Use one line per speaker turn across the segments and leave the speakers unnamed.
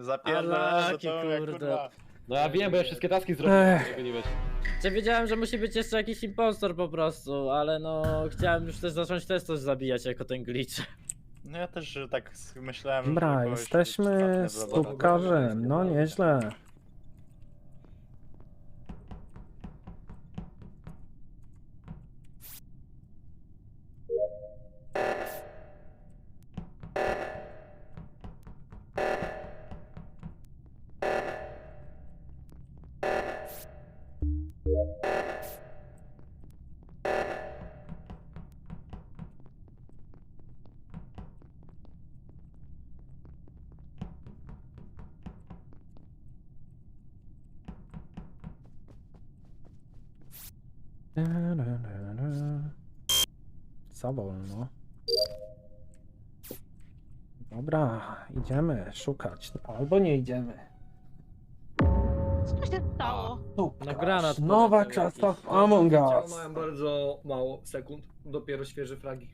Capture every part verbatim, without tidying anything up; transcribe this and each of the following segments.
Zapierdolę, to mówię,
kurde.
kurwa.
No ja wiem, bo ja wszystkie taski zrobiłem,
Ech.
żeby nie wiesz.
Czy wiedziałem, że musi być jeszcze jakiś impostor po prostu, ale no chciałem już też zacząć też coś zabijać jako ten glitch.
No ja też że tak myślałem, że
Dobra,
kogoś
jesteśmy
trafne
z
zabawę.
tubkarzem, no nieźle. Za wolno. Dobra, idziemy szukać. Albo nie idziemy.
Co się stało?
No granat
Nowa
poleciał
klasa
jakiś.
w Among
Ciała
Us.
mają bardzo mało sekund, dopiero świeże fragi.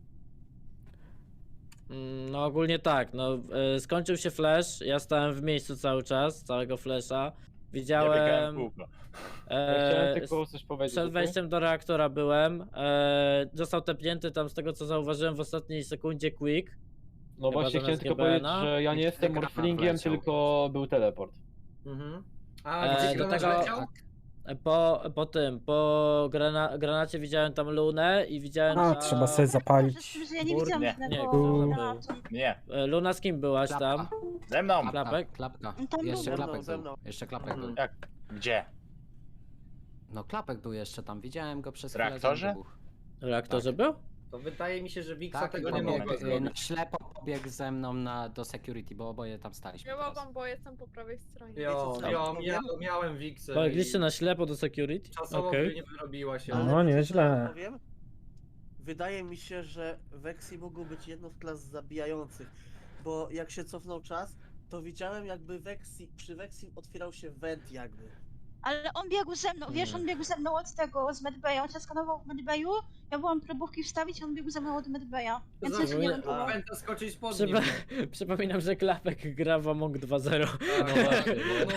Mm, No ogólnie tak, no y, skończył się flash, ja stałem w miejscu cały czas, całego flasha.
Ja
Widziałem,
biegałem w kółko.
Ja chciałem
e,
tylko coś powiedzieć.
przed
okej?
wejściem do reaktora byłem, e, został tepnięty tam z tego co zauważyłem w ostatniej sekundzie Quick.
No
Chyba
właśnie chciałem
zamiast
tylko powiedzieć,
G B N-a.
że ja nie jestem
Ekran
morflingiem,
wleciał.
tylko był teleport.
Mhm. A
E,
gdzie
do
granat
tego-
leciał?
E, Po, po tym, po grana, granacie widziałem tam Lunę i widziałem
A,
tam...
trzeba sobie zapalić.
Że ja nie
Bur-
widziałam
nie,
żadnego
nie,
był-
granatu.
Nie,
E, Luna, z kim byłaś tam?
Klapka.
ze mną.
Klapka,
Klapek?
klapka.
No tam
Jeszcze
był.
klapek
ze
był.
mną.
Jeszcze klapek był.
Jak? Gdzie?
No klapek był jeszcze tam, widziałem go przez
W
chwilę.
reaktorze?
zanim wybuchł.
W reaktorze
Tak.
był?
To wydaje mi się, że Wiksa
Tak,
tego
i
nie
pobiegł,
mogła
pobiegł,
zrobić.
y,
zrobić.
ślepo pobiegł ze mną na, do security, bo oboje tam staliśmy
Ja
teraz.
mogłam, bo jestem po prawej stronie.
Jo,
Wiecie co?
jo, mia, miałem Wiksę.
Polegliście
i
na ślepo do security?
Czasowo
Okej.
by nie wyrobiła się.
No,
Ale wiecie, co
nieźle.
ja powiem? Wydaje mi się, że Vexi mógł być jedną z klas zabijających, bo jak się cofnął czas, to widziałem jakby Vexi, przy Vexi otwierał się went jakby.
Ale on biegł ze mną, wiesz, on biegł ze mną od tego, z medbaya, on się skanował w medbayu, ja byłam próbówki wstawić, on biegł ze mną od medbaya, więc
Zawsze
też nie
nie-
wiem,
A.
Pęta skoczyć pod nim.
Przypa przypominam, że Klapek gra w Among dwa zero.
Tak,
No właśnie,
no,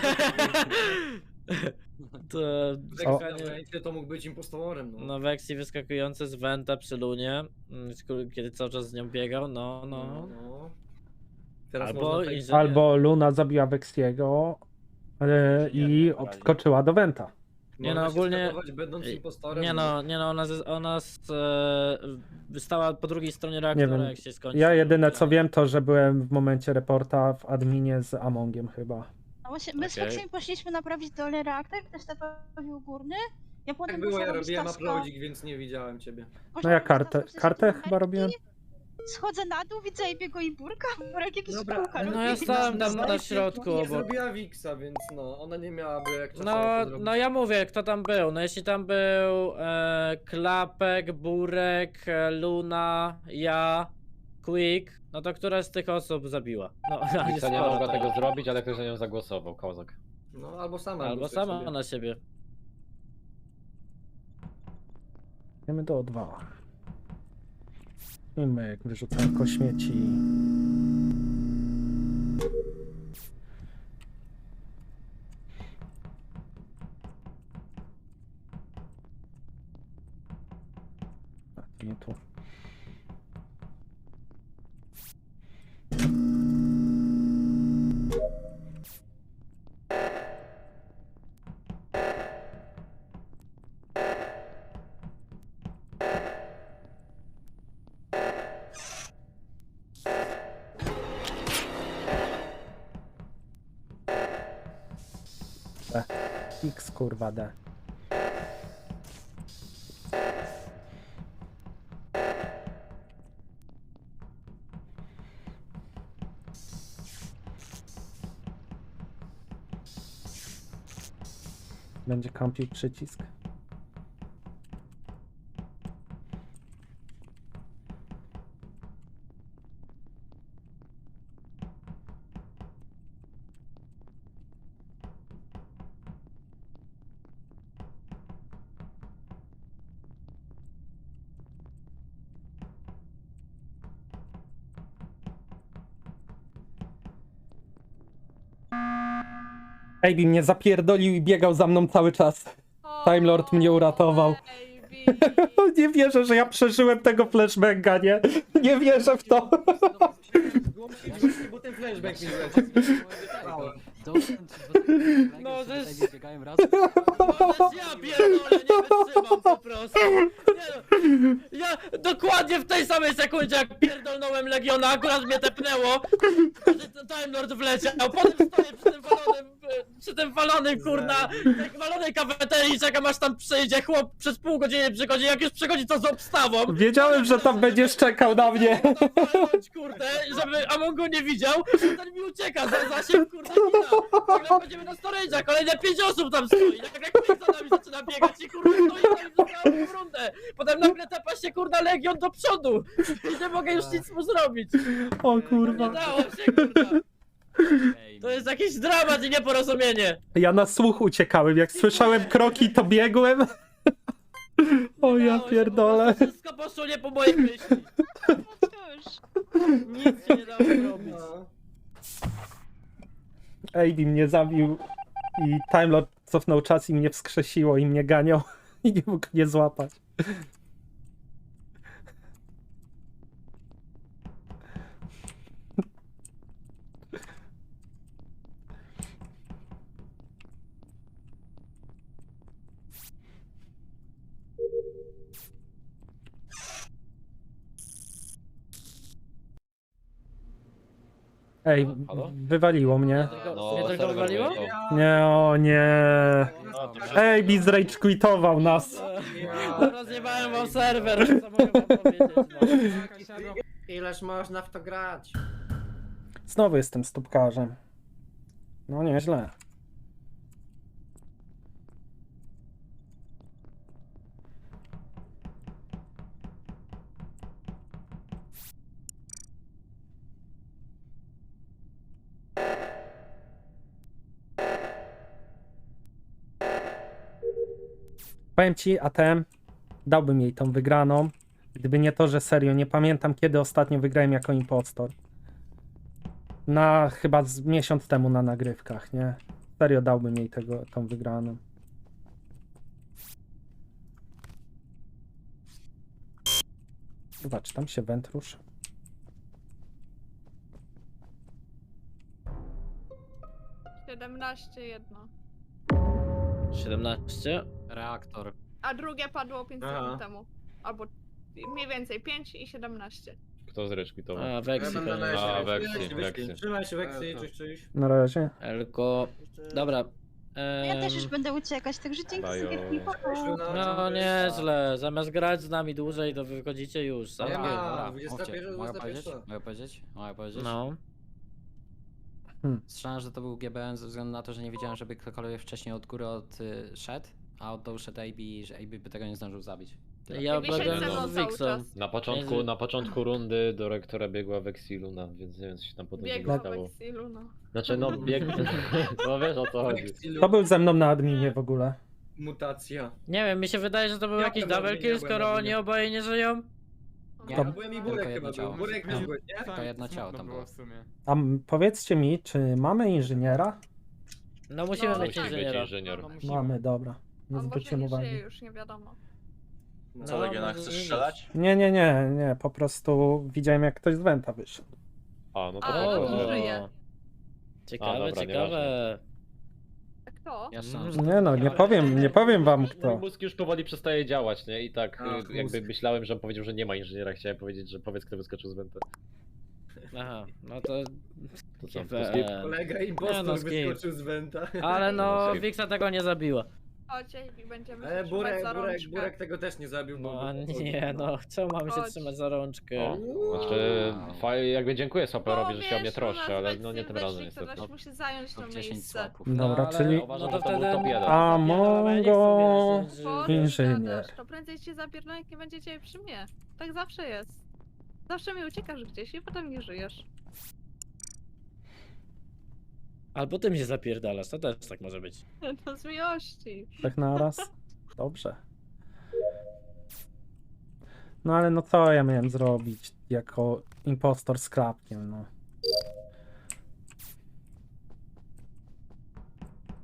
To...
no,
O.
Vexi to mógł być impostorem, no.
No Vexi wyskakujący z Venta przy Lunie, mm, sk- kiedy cały czas z nią biegał, no, no.
no. Teraz
Albo
można tak-
inżynier.
Albo Luna zabiła Vexiego e, i odskoczyła do Wenta.
Nie no,
można się
ogólnie-
skasować, będąc
Ej,
impostorem.
Nie no, nie no, ona, z- ona z, e, stała po drugiej stronie reaktora,
wiem.
jak się skończył.
Ja jedyne co wiem to, że byłem w momencie reporta w adminie z Amongiem chyba.
No właśnie, my z
Okej.
Foxem poszliśmy naprawić dolny reaktor, ktoś naprawił górny, ja potem
Tak było, ja
poszłam robić
robiłem
taska-
uploadzik, więc nie widziałem ciebie.
poszłam
No ja
robić
kartę,
taska przez
kartę
jakieś
chyba robiłem.
Schodzę na dół, widzę Ebiego i Burka, Burek jakieś
Dobra,
kółka
no
robi.
ja stałem tam na
Zdaje się,
środku
Nie
obok.
zrobiła Wiksa, więc no, ona nie miałaby jak czasowo
No,
to zrobić.
no ja mówię, kto tam był. No jeśli tam był e, Klapek, Burek, e, Luna, ja, Quick, no to która z tych osób zabiła? No, a jest
Wiksa nie
sporo
mogła
tam.
tego zrobić, ale ktoś za nią zagłosował, kozak.
No, albo sama.
Albo
głosuje
sama
sobie.
na siebie.
Idziemy do O dwa. Wiemy jak wyrzucanko śmieci. A, to nie tu. X kurwa D. Będzie kampił przycisk. Ejbi mnie zapierdolił i biegał za mną cały czas. Time Lord mnie uratował. Nie wierzę, że ja przeżyłem tego flashbanga, nie? Nie wierzę w to.
Bo ten flashback mi
No, to jest-
Biegają raz.
Możesz, ja pierdolę, nie wytrzymam po prostu. Nie no, ja dokładnie w tej samej sekundzie jak pierdolnąłem Legiona, akurat mnie tepnęło, że ten Time Lord wleciał, potem stoję przy tym walonym, przy tym walonym kurna, tej walonej kafeterii, czekam aż tam przyjdzie chłop, przez pół godziny przychodzi, jak już przychodzi to z obstawą.
Wiedziałem, że tam będziesz czekał na mnie.
Walnąć, kurde, żeby Amongo nie widział, ten mi ucieka za zasięg, kurde, kina. Nagle wchodzimy do storage'a, kolejne pięć osób tam stoi, nagle ktoś za nami zaczyna biegać i kurde stoi tam zupełnie w rundę. Potem nagle tepa się kurna Legion do przodu i nie mogę już nic mu zrobić.
O
Nie
kurwa.
dało się, kurwa. To jest jakiś dramat i nieporozumienie.
Ja na słuch uciekałem, jak słyszałem kroki, to biegłem. O
Nie
ja
dało się,
pierdolę.
po prostu Wszystko poszło nie po mojej myśli.
Cóż.
Nic się nie dało zrobić.
Ejbi mnie zabił i Time Lord cofnął czas i mnie wskrzesiło i mnie ganiał i nie mógł mnie złapać. Ej,
Halo?
wywaliło mnie.
No,
Mnie tylko
serwer
wywaliło?
wyjechał.
Nie, o nie.
No, to
Ejbi zrage quitował nas.
No, rozjebałem wam serwer, co mogę wam powiedzieć, no.
Ileż można w to grać?
Znowu jestem stópkarzem. No nieźle. Powiem ci, A T M dałbym jej tą wygraną, gdyby nie to, że serio nie pamiętam kiedy ostatnio wygrałem jako impostor. Na chyba z miesiąc temu na nagrywkach, nie? Serio dałbym jej tego, tą wygraną. Zobacz, tam się węd ruszy.
siedemnaście jedno.
siedemnaście?
Reaktor.
A drugie padło pięć
Aha.
sekund temu. Albo mniej więcej pięć i siedemnaście.
Kto zreszkwitował?
A, Vexi
Ja będę
pewnie.
na-
A, Vexi,
Wyszli,
Vexi.
wyszli. Trzymaj się Vexi, czyś, czyś.
Na razie.
Elko. Dobra.
Ja też już
em,
będę uciekać, także dzięki za
Bajo.
gierki, pa, pa.
No nieźle, zamiast grać z nami dłużej, to wy wychodzicie już.
Nie
Sam
ma.
wiem.
Dobra,
dwudziesta
mówcie.
pierwsza,
Mogę
dwudziesta
powiedzieć?
pierwsza.
Mogę powiedzieć? Mogę powiedzieć?
No.
Strzelam, że to był G B N ze względu na to, że nie wiedziałem, żeby ktokolwiek wcześniej od góry od y, szedł, a od dołu szedł A B, że A B by tego nie zdążył zabić.
Ja
Wy siedźcie
byłem
ze mną
z
cały
Wixą.
czas.
Na początku,
Nie,
na początku rundy do rektora biegła Vexi Luna, więc nie wiem co się tam potem
Biegła
stało.
Vexi Luna.
Znaczy no bieg... No wiesz o co chodzi.
Vexi,
To był ze mną na adminie w ogóle.
Mutacja.
Nie wiem, mi się wydaje, że to był
Ja
jakiś
byłem
double
na
kill,
linie,
skoro
byłem na
oni
linie.
oboje nie żyją.
Nie,
Ja byłem i
tylko
Burek
jedno
chyba
ciało.
był. Burek
No.
był, nie?
Tylko jedno ciało tam było.
A m- powiedzcie mi, czy mamy inżyniera?
No musimy
No,
mieć
Musi być
inżyniera.
inżynier.
Mamy, dobra. Nie
On może
zwróciłem
nie
uwagi.
żyje już, nie wiadomo.
Co,
No,
Legiona,
może
chcesz
nie
strzelać?
Nie, nie, nie, nie, po prostu widziałem jak ktoś z Wenta wyszedł.
A, no to
A,
dobra.
no to
dobra.
żyje.
Ciekawe,
A, dobra,
ciekawe.
A kto?
Ja strzelam,
Mm.
że to
Nie no, nie powiem, nie powiem wam
Mój
kto.
mózg już powoli przestaje działać, nie? I tak
Ach,
y, jakby
mózg.
myślałem, że on powiedział, że nie ma inżyniera, chciałem powiedzieć, że powiedz kto wyskoczył z Wenta.
Aha, no to...
To co?
Nie
To skip?
wiem.
Kolega
Nie,
impostor
no, skip.
wyskoczył z Wenta.
Ale no,
Skip.
Wixa tego nie zabiła.
Chodź, i będziemy się
Ale
trzymać
Burek,
za
Burek,
rączkę.
Burek tego też nie zabił. bo-
No a
bo-
nie, no, czemu mamy się
Chodź.
trzymać za rączkę?
O, znaczy, fajnie, jakby dziękuję Swaperowi, że się o mnie
wiesz,
troszczy,
u nas
ale
Vexi
no nie tym
wyszli,
razem
to
niestety.
ktoś musi zająć to
top dziesięć
miejsce.
swapów.
No,
Dobra,
ale-
czyli
Uważam,
no
że
to
to był
wtedy-
top jeden.
A
Nie, no, ale nie chcę
Mongo
wierzyć, że-
Po co
inżynier.
gadasz? To prędzej cię zabiorą, jak nie będziecie przy mnie. Tak zawsze jest. Zawsze mi uciekasz gdzieś i potem nie żyjesz.
Albo ty mnie zapierdalasz, to też tak może być.
No z miłości.
tak naraz? Dobrze. No ale no co ja miałem zrobić jako impostor z klapkiem, no.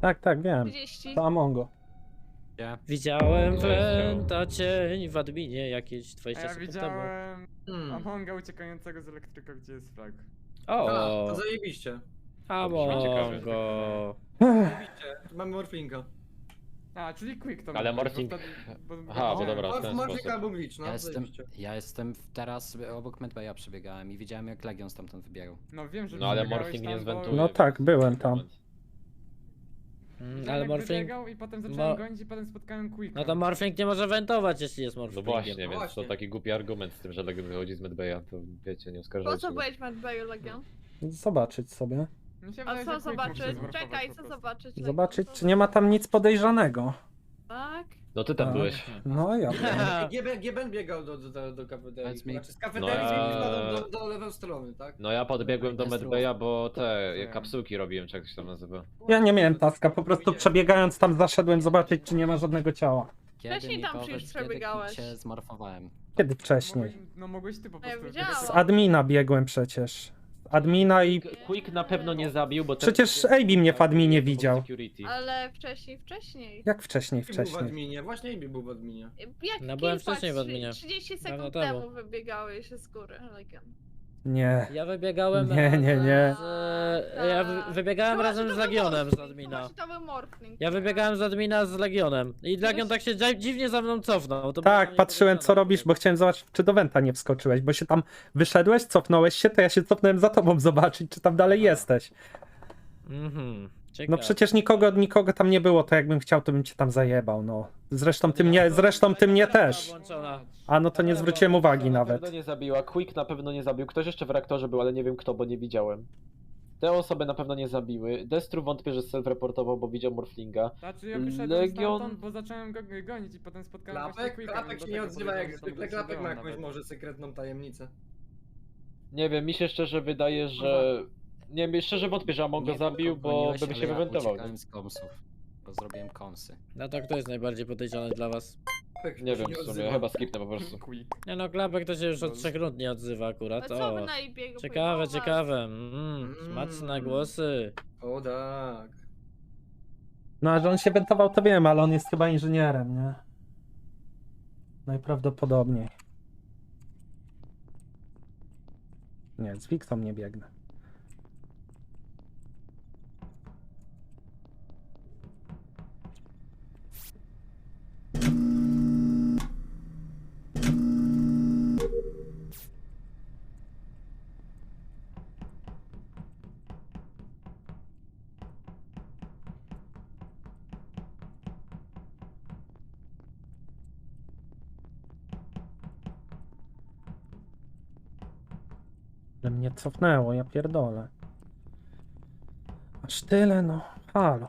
Tak, tak, wiem.
trzydzieści.
To Amongo.
Gdzie?
Widziałem
Gdzie jest
Wenta cień w adminie jakieś
A
dwadzieścia
ja
sekund temu.
widziałem
Hmm.
Amonga uciekającego z elektryka, gdzie jest frag.
A,
O,
to zajebiście.
Amongo.
Zajebiście. Mamy morflinga.
A, czyli quick to
Ale
mógł być,
Morphling-
bo wtedy- bo-
Aha, bo
bo-
dobra, w
Morf-
ten
Morfling
sposób.
albo glitch, no
Ja jestem,
zajebiście.
ja jestem w- teraz obok Medbaya przebiegałem i widziałem jak Legion stamtąd wybiegał.
No wiem, że
No ale
przebiegałeś
Morphling
tam,
nie
bo-
zwentuje.
No tak, byłem tam.
Mm,
Widziałem,
ale
jak
Morphling...
wybiegał i potem zacząłem
Mo-
gonić i potem spotkałem Quicka.
No to Morphling nie może wentować, jeśli jest
No
Morphlingiem.
właśnie,
No
więc
właśnie.
to taki głupi argument z tym, że Legion wychodzi z Medbaya, to wiecie, nie
Po
oskarżajcie
co
go.
byłeś w Medbayu, Legion?
Zobaczyć sobie.
Mi się
A
wydaje,
co
że Quick mógł się
zobaczyć?
zmorfować
Czekaj,
po
co
prostu.
zobaczyć? Legion?
Zobaczyć,
Co
czy nie ma tam nic podejrzanego.
Tak?
No ty tam
Tak.
byłeś.
No ja.
G B N biegał do, do, do, do kafeterii.
Powiedz mi-
Znaczy z kafeterii
No ja-
do, do, do lewej strony, tak?
No ja podbiegłem do
Jest
Medbaya, bo te
Wiem.
kapsułki robiłem, czy jak to się tam nazywa.
Ja nie miałem taska, po prostu przebiegając tam zaszedłem zobaczyć, czy nie ma żadnego ciała.
Kiedy
Wcześniej
mi
tam
powiesz,
przecież
kiedy
przebiegałeś.
się zmorfowałem?
Kiedy wcześniej?
Mogłeś, no mogłeś ty po
No ja
prostu.
widziałam.
Z admina biegłem przecież. Z admina i...
Quick na pewno nie zabił, bo ten-
Przecież A B mnie w adminie
pod
widział.
security.
Ale wcześniej, wcześniej.
Jak wcześniej,
Jaki był w
wcześniej?
adminie? Właśnie Amy był w adminie.
Jak
No byłem
kilka,
wcześniej w
trzy-
adminie.
trzydzieści
Dawno
sekund
temu.
temu wybiegałeś z góry, Legion.
Nie.
Ja wybiegałem
Nie, nie, nie.
Z, ja wy, wybiegałem
Chyba,
razem
że
z
to był
Legionem z
Morphling,
admina.
chyba, że to był Morphling.
Ja wybiegałem z admina z Legionem. I Legion tak się dzi- dziwnie za mną cofnął. To było
Tak,
dla mnie
patrzyłem co
podejrzane.
robisz, bo chciałem zobaczyć, czy do Wenta nie wskoczyłeś, bo się tam wyszedłeś, cofnąłeś się, to ja się cofnąłem za tobą zobaczyć, czy tam dalej jesteś.
Mhm.
No
Ciekawe.
przecież nikogo, nikogo tam nie było, to jakbym chciał, to bym cię tam zajebał, no. Zresztą ty mnie, zresztą ty mnie też.
Włączona.
A no to nie zwróciłem uwagi
Na
nawet.
pewno nie zabiła, Quick na pewno nie zabił, ktoś jeszcze w reaktorze był, ale nie wiem kto, bo nie widziałem. Te osoby na pewno nie zabiły. Destru wątpię, że self-reportował, bo widział Morflinga.
Znaczy ja wyszedłem
Legion-
stamtąd, bo zacząłem go gonić i potem spotkałem właśnie
Klapek?
Quicka,
Klapek
więc
się nie
dlatego
odzywa jak
podejrzewam, że tam
zwykle.
gdzieś
Klapek ma
byłem
jakąś
nawet.
może sekretną tajemnicę.
Nie wiem, mi się szczerze wydaje, że... Nie wiem, szczerze wątpię, że Among go
Nie,
zabił, bo
goniłeś,
by
ale
się
ja
wywentował.
uciekałem z komsów, bo zrobiłem komsy.
No to kto jest najbardziej podejrzany dla was?
Klapek
Nie
się
wiem w sumie,
odzywa.
chyba skipnę po prostu.
Quick.
Nie no, Klapek to się już od
No.
trzech rund nie odzywa
A
akurat.
co wy
O,
na jej biegu
ciekawe,
pojmować?
ciekawe. Mm, smaczne
Mm.
głosy.
O tak.
No a że on się wentował, to wiem, ale on jest chyba inżynierem, nie? Najprawdopodobniej. Nie, z Wiktą nie biegnę. Ale mnie cofnęło, ja pierdolę. Aż tyle, no. Halo.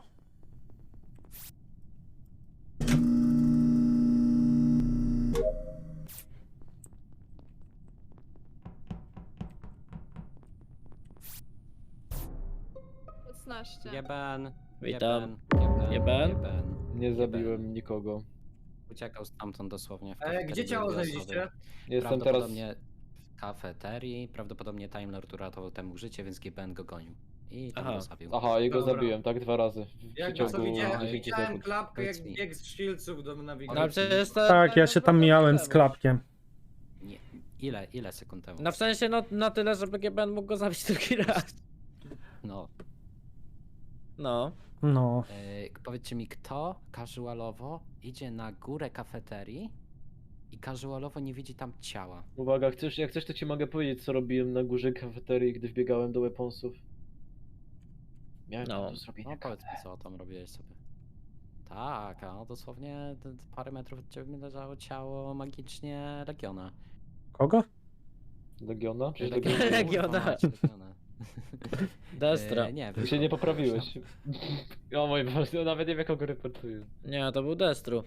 szesnaście.
Jeben,
Witam.
Jeben,
Jeben?
Jeben.
Nie
Jeben.
zabiłem nikogo.
Uciekał stamtąd dosłownie. W
E,
kafeterii
gdzie ciało
były dwie
znaleźliście?
osoby.
Jestem teraz...
Prawdopodobnie w kafeterii, prawdopodobnie Time Lord uratował temu życie, więc G B N go gonił. I tam
Aha.
go zabił.
Aha, jego
Dobra.
zabiłem, tak dwa razy. W
Jak
przeciągu
co widziałem,
dziesięć
widziałem
sekund.
klapkę jak
Powiedz mi.
bieg z shieldsów do
No
nawigacji.
przecież to...
Tak, ja się tam mijałem z klapkiem.
Nie, ile, ile sekund temu?
No w sensie no na tyle, żeby G B N mógł go zabić drugi raz.
No.
No.
No.
Yy, powiedzcie mi, kto casualowo idzie na górę kafeterii i casualowo nie widzi tam ciała?
Uwaga, chcesz, jak chcesz to ci mogę powiedzieć co robiłem na górze kafeterii, gdy wbiegałem do weaponsów. Miałem
No.
no. do zrobienia
No powiedz mi,
kawę.
co tam robiłeś sobie. Tak, a no dosłownie d- d- parę metrów od ciebie leżało ciało magicznie Legiona.
Kogo?
Legiona? Czy
Legiona.
Legiona?
Legiona.
Kurwa mać, Legiona.
Destra.
Yy, nie,
Ty się nie poprawiłeś. O mój Boże, nawet nie wiem kogo reportuję.
Nie, to był Destru.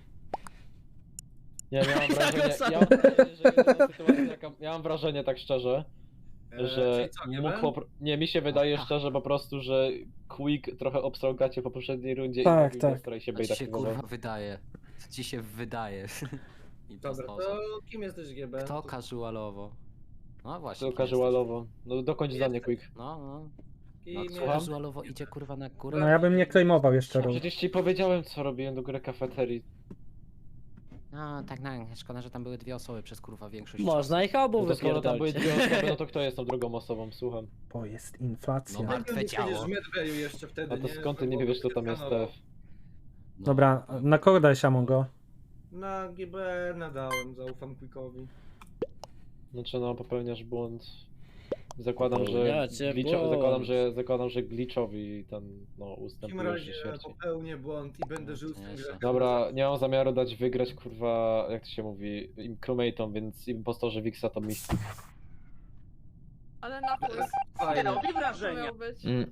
Nie, miałem
Tak
wrażenie,
samo.
ja mam wrażenie, że jedyna sytuacja jaka, ja mam wrażenie tak szczerze,
E,
że
czyli co, nie
mógł
wiem?
popro... Nie, mi się wydaje
Aha.
szczerze po prostu, że Quick trochę obstrał gacie po poprzedniej rundzie
Tak,
i
tak.
Destra się
To ci
bait
się
aktywował.
kurwa wydaje. To ci się wydaje. I w ten
Dobra,
sposób.
to kim jesteś G B?
Kto casualowo? No właśnie.
To
kim jesteś?
casualowo. No dokończ zdanie Quick.
No, no. No
Kim
co,
Słucham?
casualowo idzie kurwa na górę?
No ja bym nie claimował jeszcze ról.
Przecież ci powiedziałem, co robiłem do góry kafeterii.
No tak, no, szkoda, że tam były dwie osoby przez kurwa większość
Można ich obu
No to skoro tam były
wypierdolić.
dwie osoby, no to kto jest tą drugą osobą, słucham.
Bo jest inflacja.
No martwe ciało.
Przecież w Medbayu jeszcze wtedy,
A to
nie?
skąd ty nie wiesz, kto tam jest
Skanował.
T F?
No.
Dobra, na kogo dałeś Amongo?
Na G B nadałem, zaufam Quickowi.
Znaczy no, popełniasz błąd. Zakładam, że
Popełniacie
glitcho,
błąd.
zakładam, że zakładam, że glitchowi ten no
W takim
ustępujesz
razie
śmierci.
popełnię błąd i będę
No,
żył z
to
tym
nieźle.
grem.
Dobra, nie mam zamiaru dać wygrać kurwa, jak to się mówi, im crewmate'om, więc impostorze Wixa to Mystic.
Ale na plus.
Fajnie.
Robi wrażenie. Miał być.
Mm.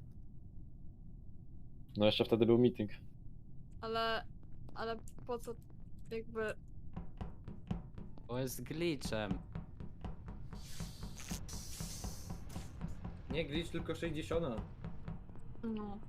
No jeszcze wtedy był meeting.
Ale, ale po co jakby...
Bo jest glitchem.
Nie glitch, tylko sześćdziesiąt.
No.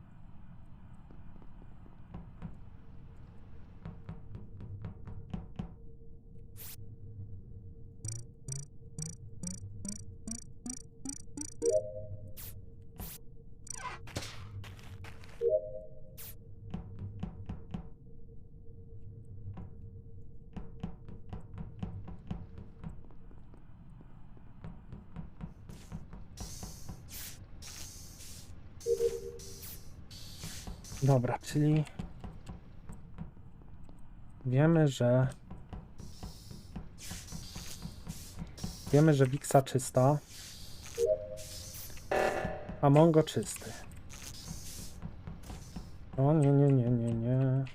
Dobra, czyli wiemy, że wiemy, że Wixa czysta, a Mongo czysty. O nie, nie, nie, nie, nie.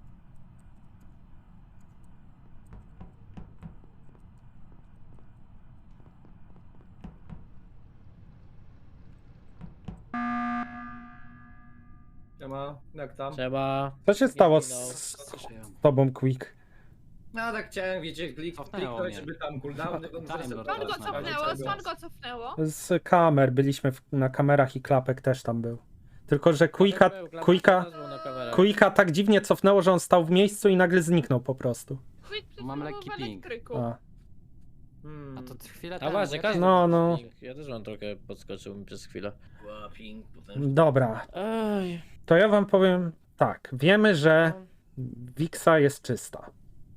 Siema, jak tam?
Trzeba...
Co się stało z,
zginął.
z tobą, Quick?
No tak chciałem, wiecie, klik,
Cofnęło
kliknąć,
mnie.
żeby tam cooldowny bym
Time
zresetował.
Lord
Skąd go
Teraz na
cofnęło?
razie
Skąd go cofnęło?
Z kamer, byliśmy w, na kamerach i klapek też tam był. Tylko, że Quicka,
Był, Klapek
Quicka,
też był na kamerach.
Quicka tak dziwnie cofnęło, że on stał w miejscu i nagle zniknął po prostu.
Quick przecież
Mam
był
lekki
w
ping.
elektryku.
A.
Hmm.
A to chwilę
A
temu.
właśnie,
jak-
każdy
No,
no,
no.
no. Ja też mam trochę podskoczył mi przez chwilę.
Łaping, potem...
Dobra,
Ej.
to ja wam powiem tak. Wiemy, że Wixa jest czysta.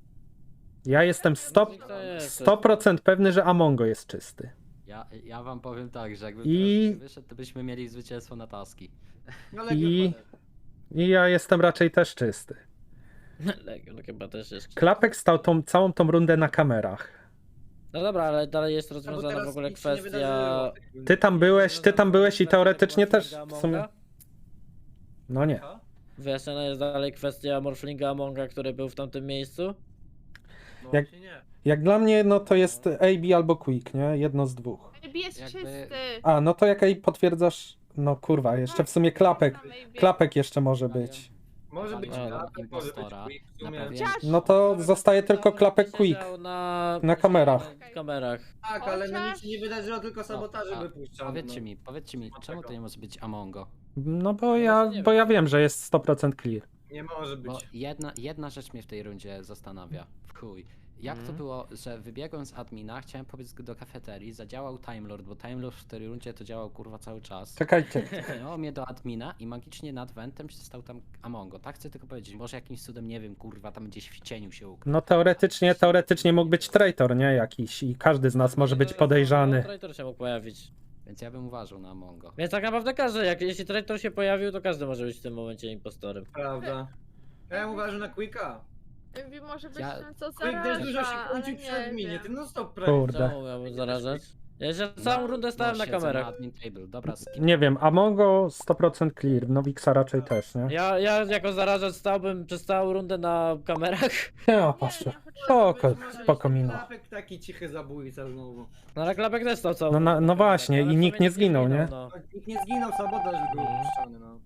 Ja jestem sto procent pewny, że Amongo jest czysty.
Ja, ja wam powiem tak, że jakby
I-
I... wyszedł, to byśmy mieli zwycięstwo na taski.
No, ale
I,
nie
I ja jestem raczej też czysty.
Legion chyba też jest.
Klapek stał tą całą tą rundę na kamerach.
No dobra, ale dalej jest
No bo
rozwiązana
teraz
w ogóle
nic się nie
kwestia...
wydarzyło.
Ty tam byłeś, ty tam byłeś i teoretycznie też
Morflinga
w sumie...
Amonga?
No nie.
Wyjaśniona jest dalej kwestia Morflinga Amonga, który był w tamtym miejscu.
No
Jak-
właśnie nie.
Jak dla mnie, no to jest A B albo Quick, nie? Jedno z dwóch.
Maybe jest
Jakby-
czysty.
A, no to jak jej potwierdzasz... No kurwa, jeszcze w sumie klapek.
Maybe.
Klapek jeszcze może być.
Może być
Zapaliłem
klapek, może być
impostora.
quick, w sumie.
Naprawiłem-
No to zostaje tylko klapek Quick.
Siedział Na,
Na kamerach.
Na kamerach.
Tak, ale no nic
Chociaż-
się nie wydarzyło, tylko sabotaże
a
wypuszczano.
Powiedzcie
no.
mi, powiedzcie mi, czemu to nie może być Amongo?
No bo ja, bo ja wiem, że jest sto procent clear.
Nie może być.
Bo jedna, jedna rzecz mnie w tej rundzie zastanawia. W chuj. Jak to
Mhm.
było, że wybiegłem z admina, chciałem pobiec do kafeterii, zadziałał Time Lord, bo Time Lord w tej rundzie to działał kurwa cały czas.
Czekajcie.
Cofnęło mnie do admina i magicznie nad wentem się stał tam Amongo. Tak chcę tylko powiedzieć, może jakimś cudem, nie wiem, kurwa, tam gdzieś w cieniu się ukrył.
No teoretycznie, teoretycznie mógł być traitor, nie? Jakiś i każdy z nas może być podejrzany.
Traitor się mógł pojawić.
Więc ja bym uważał na Amongo.
Więc tak naprawdę każdy, jak jeśli traitor się pojawił, to każdy może być w tym momencie impostorem.
Prawda. Ja uważam na Quicka.
Maybe może być
Ja-
ten, co
Quick też dużo się
zaraża, ale
kłócił przy adminie,
nie
ty
wiem.
non stop prawie.
Kurde.
Czemu miałbym zarażać? Ja się całą rundę stałem
No,
na
siedzę
kamerach.
Na admin table. Dobra, skip.
Nie wiem, Amongo sto procent clear, Nowixa raczej też, nie?
Ja, ja jako zarażacz stałbym przez całą rundę na kamerach.
Nie, o, patrzcie. Spoko, spoko minął.
Klapek taki cichy zabójca znowu.
No ale klapek też stał całą
No, na-
rundę
no
na kamerach,
właśnie,
ale
i
w
nikt
sumie
nie zginął, nie?
no.
Nikt nie zginął, sabotaż był puszczony, no.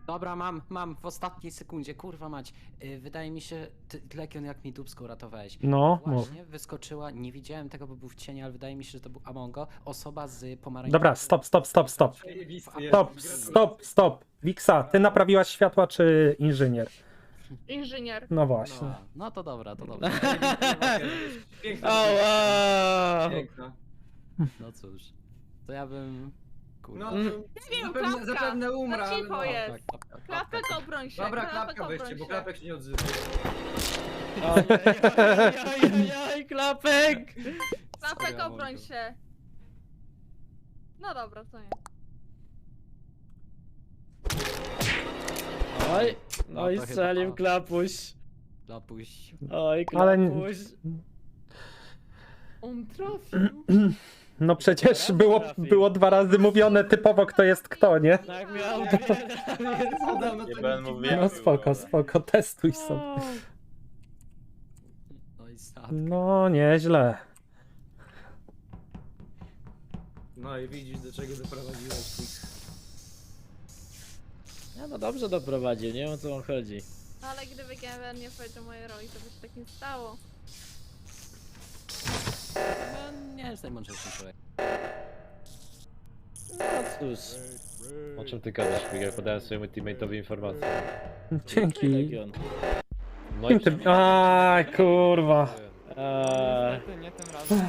Dobra, mam, mam, w ostatniej sekundzie, kurwa mać. Yy, wydaje mi się, ty, Legion, jak mi dupsko uratowałeś.
No, mów.
Właśnie wyskoczyła, nie widziałem tego, bo był w cieniu, ale wydaje mi się, że to był Amongo, osoba z pomarańczowym...
Dobra, stop, stop, stop, stop.
Zajebisty jest.
Stop, stop, stop. Wiksa, ty naprawiłaś światła czy inżynier?
Inżynier.
No właśnie.
No, no to dobra, to dobra.
Piękna.
Ała!
Piękna.
No cóż, to ja bym... Kurwa.
No,
Mm.
Nie wiem,
zapewne,
klapka.
zapewne umrę,
Na
ale
cicho
no.
jest.
Tak, klapka,
Klapek
klapka.
obroń się.
Dobra,
klapek
klapka weźcie,
obroń
bo
się.
klapek się nie odzywa.
Ajajajajajaj, klapek!
Klapek
Sorry,
obroń
Amongo.
się. No dobra, to nie.
Oj,
No
oj,
to chyba-
strzelił klapuś.
Klapuś.
Oj,
Ale-
klapuś.
On trafił.
No przecież
Raz
było,
trafił.
było dwa razy mówione typowo kto jest kto, nie?
Tak miał
Podobno
Nie
to
będę
nikt
mówił.
nie-
No spoko, spoko, testuj sobie.
No i sad.
No, nieźle.
No i widzisz, do czego doprowadziłeś Quick.
Ja no dobrze doprowadził, nie wiem o co on chodzi.
No ale gdyby G M R nie powiedział mojej roli, to by się tak nie stało.
No, nie jest najmądrzejszy człowiek.
No cóż.
O czym ty gadasz, Miguel? Podałem swojemu teammate'owi informację.
Dzięki.
Legion.
No
Kim ty... Aj, kurwa.
Eee,
Niestety, nie tym razem.